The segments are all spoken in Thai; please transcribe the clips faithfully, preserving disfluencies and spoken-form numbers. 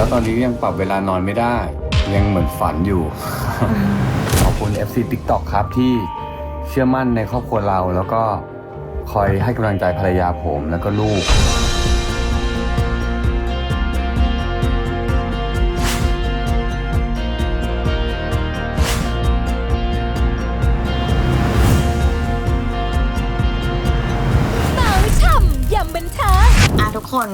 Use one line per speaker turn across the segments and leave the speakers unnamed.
แล้วตอนนี้ยังปรับเวลานอนไม่ได้ ยังเหมือนฝันอยู่ ขอบคุณ เอฟ ซี ติ๊กต็อก ครับที่เชื่อมั่นในครอบครัวเราแล้วก็คอยให้กำลังใจภรรยาผมแล้วก็ลูก
อ่ะทุกคน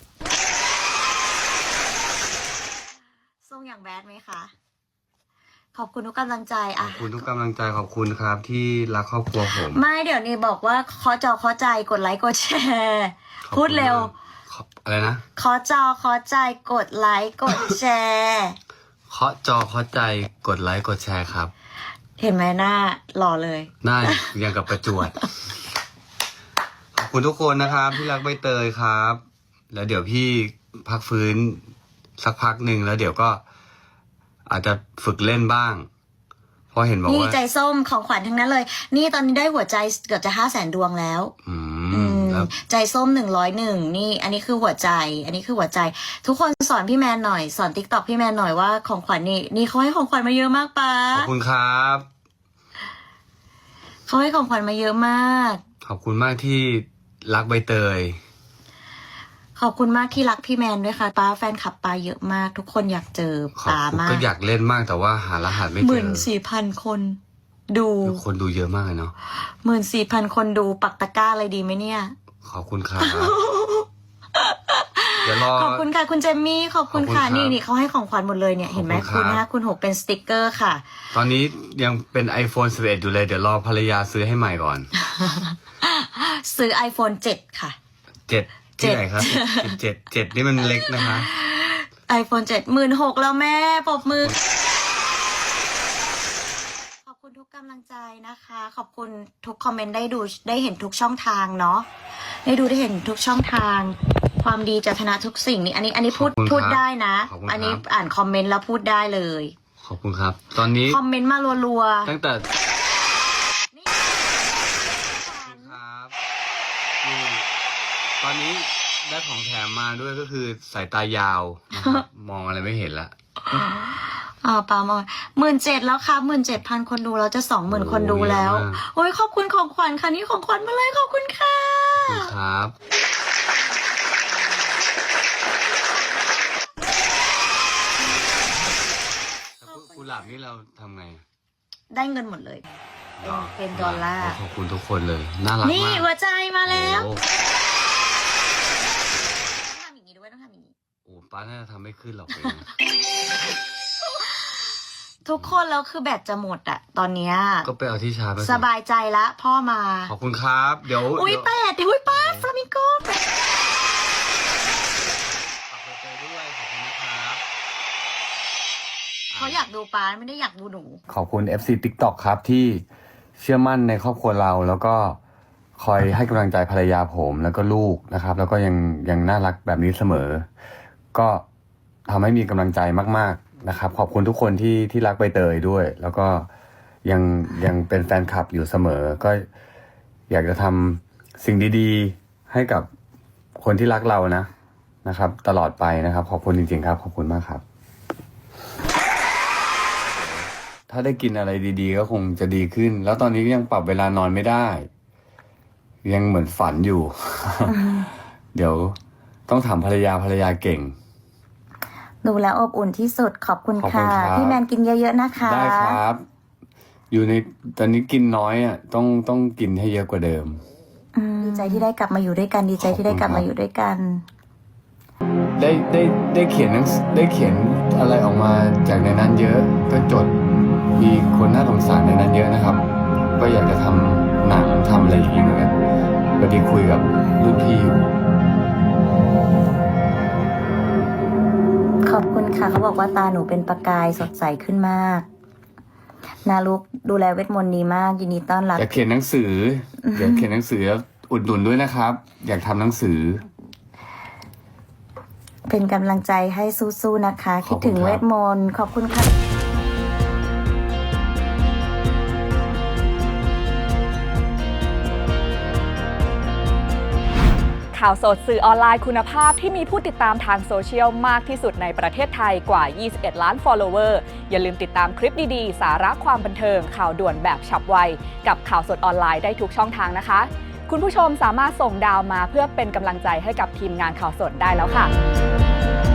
ส่งอย่างแบดไหมคะขอบคุณทุกกำลังใจ
ข
อ่ะ
อบคุณทุกกำลังใจขอบคุณครับที่รักครอบครัวผม
ไม่เดี๋ยวนี้บอกว่าขอจอขอใจกดไลค์กดแชร์พูดเร็ว
อะไรนะ
ขอจอขอใจกดไลค์กดแชร์
เคาะจอเคาะใจกดไลค์กดแชร์ครับ
เห็นไหมหน้าหล่อเลย
หน้ายังกับประจวด ขอบคุณทุกคนนะครับที่รักใบเตยครับ แล้วเดี๋ยวพี่พักฟื้นสักพักหนึ่งแล้วเดี๋ยวก็อาจจะฝึกเล่นบ้าง เพราะเห็นบอก
นี่
ว่า
ใจส้มของขวัญทั้งนั้นเลย นี่ตอนนี้ได้หัวใจเกือบจะห้าแสนดวงแล้ว
อื
อื
ม
ม
แล้ว
ใจส้มหนึ่งร้อยหนึ่งนี่ อันนี้คือหัวใจ อันนี้คือหัวใจ ทุกคนสอนพี่แมนหน่อยสอนติ๊กต็อกพี่แมนหน่อยว่าของขวัญนี่นี่เขาให้ของขวัญมาเยอะมากปะ
ขอบคุณครับ
เขาให้ของขวัญมาเยอะมาก
ขอบคุณมากที่รักใบเตย
ขอบคุณมากที่รักพี่แมนด้วยค่ะป้าแฟนคลับป้าเยอะมาก ทุกคนอยากเจอ
ขอบ
ป้า
คุณ
มา
ก็
ก
อยากเล่นมากแต่ว่าหารหัสไม่
ห
เจ
มื่น
อ
สี่พันคน ดู
คนดูเยอะมากเลยเนาะ
หมื่นสี่พันคนดูปักตะกร้าอะไรดีไหมเนี่ย
ขอบคุณครับ เดี๋ยวรอ
ขอบคุณค่ะคุณเจมมี่ขอบคุณค่ะ
ขอบคุณครับ
นี่นี่เขาให้ของขวัญหมดเลยเนี่ยเห็นไหม
ขอบคุ
คุณ
ณครับ
ห้าคุณหกเป็นสติกเกอร์ค่ะ
ตอนนี้ยังเป็น ไอโฟนสิบเอ็ด อยู่เลยเดี๋ยวรอภรรยาซื้อให้ใหม่ก่อน
ซื้อ iPhone เจ็ดค่ะ
เจ็ดที่ไหนครับเจ็ดเจ็ดนี่มันเล็กนะคะ
iPhone เจ็ดหมื่นหกแล้วแม่ปรบมือ ขอบคุณทุกกำลังใจนะคะ ขอบคุณทุกคอมเมนต์ได้ดูได้เห็นทุกช่องทางเนาะได้ดูได้เห็นทุกช่องทาง ความดีจะชนะทุกสิ่งนี่อันนี้อันนี้พูด
ขอบคุณครับ
พูดได้นะ
ขอบคุณครับ
อันนี้อ่านคอมเมนต์แล้วพูดได้เลย
ขอบคุณครับ ตอนนี้
คอมเมนต์มารัว
ตั้งแต่
ๆนี่
ครับนี่ตอนนี้ได้ของแถมมาด้วยก็คือสายตายาวนะครับ มองอะไรไม่เห็นละ
อ่าปามาหมื่นเจ็ดแล้วค่ะหมื่นเจ็ดพันคนดูเราจะสองหมื่นคนดูแล้ว โอ้ยขอบคุณของขวัญค่ะนี่ของขวัญมาเลยขอบคุณค่ะ
ขอบคุณครับกุหลาบนี่เราทำไง
ได้เงินหมดเลย เป็นดอลลาร์
ขอบคุณทุกคนเลย น่ารักมาก
นี่หัวใจมาแล้ว
โอ้
ต้องทำอย่างนี้ด้วยต้องทำอย่างนี้
โอ้ป้าน่าจะทำไม่ขึ้นหรอกเลยนะ
ทุกคนแล้วคือแบตจะหมดอะตอนเนี้ย
ก็ไปเอาที่ชาร์จไปสิ
สบายใจละพ่อมา
ขอบคุณครับ เดี๋ยว
อุ้ย
เดี๋ว
แปดอุ้ยป้าฟลามิงโกแปด
ฝากไปเจอด้วยขอบคุณนะครับ
เขาอยากดูป้าไม่ได้อยากดูหนู
ขอบคุณ เอฟ ซี ติ๊กต็อก ครับที่เชื่อมั่นในครอบครัวเราแล้วก็คอยให้กำลังใจภรรยาผมแล้วก็ลูกนะครับ แล้วก็ยังยังน่ารักแบบนี้เสมอ ก็ทำให้มีกำลังใจมากๆนะครับ ขอบคุณทุกคนที่ที่รักใบเตยด้วย แล้วก็ยังยังเป็นแฟนคลับอยู่เสมอ ก็อยากจะทำสิ่งดีๆให้กับคนที่รักเรานะนะครับ ตลอดไปนะครับ ขอบคุณจริงๆครับ ขอบคุณมากครับ ถ้าได้กินอะไรดีๆก็คงจะดีขึ้น แล้วตอนนี้ยังปรับเวลานอนไม่ได้ ยังเหมือนฝันอยู่ เดี๋ยวต้องถามภรรยาภรรยาเก่ง
ดูแล้วอบอุ่นที่สุดขอบคุณ
ขอบคุณ
ค่ะ
ครับ
พี่แมนกินเยอะๆนะคะ
ได้ครับ อยู่ในตอนนี้กินน้อยอ่ะ ต้องต้องกินให้เยอะกว่าเดิม
อืมดีใจที่ได้กลับมาอยู่ด้วยกันดีใจที่ได้กลับมาอยู่ด้วยกัน
ได้ได้ได้เขียนหนังสือได้เขียนอะไรออกมาจากในนั้นเยอะ ก็จดมีคนน่าสงสารในนั้นเยอะนะครับ ก็อยากจะทำหนังทำอะไรอย่างนี้เหมือนกันพอดีคุยกับรุ่นพี่อยู่
ขอบคุณค่ะเขาบอกว่าตาหนูเป็นประกายสดใสขึ้นมาก นาลุกดูแลเวทมนต์ดีมากยินดีต้อนรับ
อยากเขียนหนังสืออยากเขียนหนังสือแล้วอุดหนุนด้วยนะครับ อยากทำหนังสือ
เป็นกำลังใจให้สู้ๆนะคะ
ข
คิ
อ
ด
บคุณ
ถึง
ครับ
เวทมนต์ขอบคุณค่ะ
ข่าวสดสื่อออนไลน์คุณภาพที่มีผู้ติดตามทางโซเชียลมากที่สุดในประเทศไทยกว่า ยี่สิบเอ็ด ล้าน follower อย่าลืมติดตามคลิปดีๆ สาระความบันเทิงข่าวด่วนแบบฉับไวกับข่าวสดออนไลน์ได้ทุกช่องทางนะคะคุณผู้ชมสามารถส่งดาวมาเพื่อเป็นกำลังใจให้กับทีมงานข่าวสดได้แล้วค่ะ